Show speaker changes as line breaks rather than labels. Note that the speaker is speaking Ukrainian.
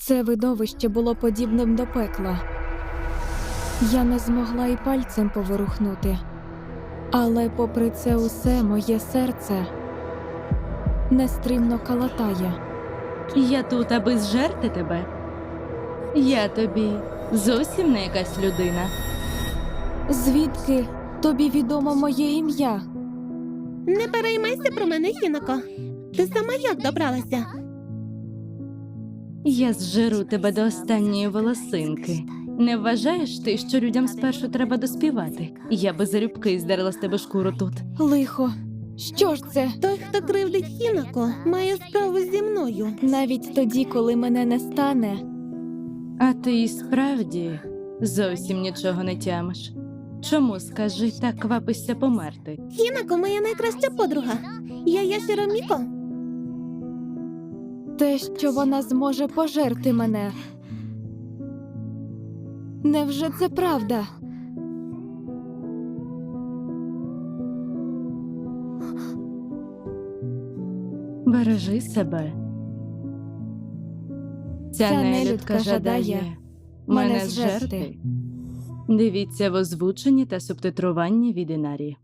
Це видовище було подібним до пекла. Я не змогла і пальцем поворухнути. Але попри це усе моє серце нестримно калатає.
Я тут, аби зжерти тебе. Я тобі зовсім не якась людина.
Звідки тобі відомо моє ім'я?
Не переймайся про мене, Хінако. Ти сама як добралася?
Я зжеру тебе до останньої волосинки. Не вважаєш ти, що людям спершу треба доспівати? Я би залюбки здерла з тебе шкуру тут.
Лихо, що ж це?
Той, хто кривдить Хінако, має справу зі мною.
Навіть тоді, коли мене не стане,
А ти і справді зовсім нічого не тямиш. Чому, скажи, так квапишся померти?
Хінако моя найкраща подруга. Я Яшіро Міко.
те, що вона зможе пожерти мене. Невже це правда?
Бережи себе. Ця нелюдка жадає мене зжерти. Дивіться в озвученні та субтитруванні від Інарі.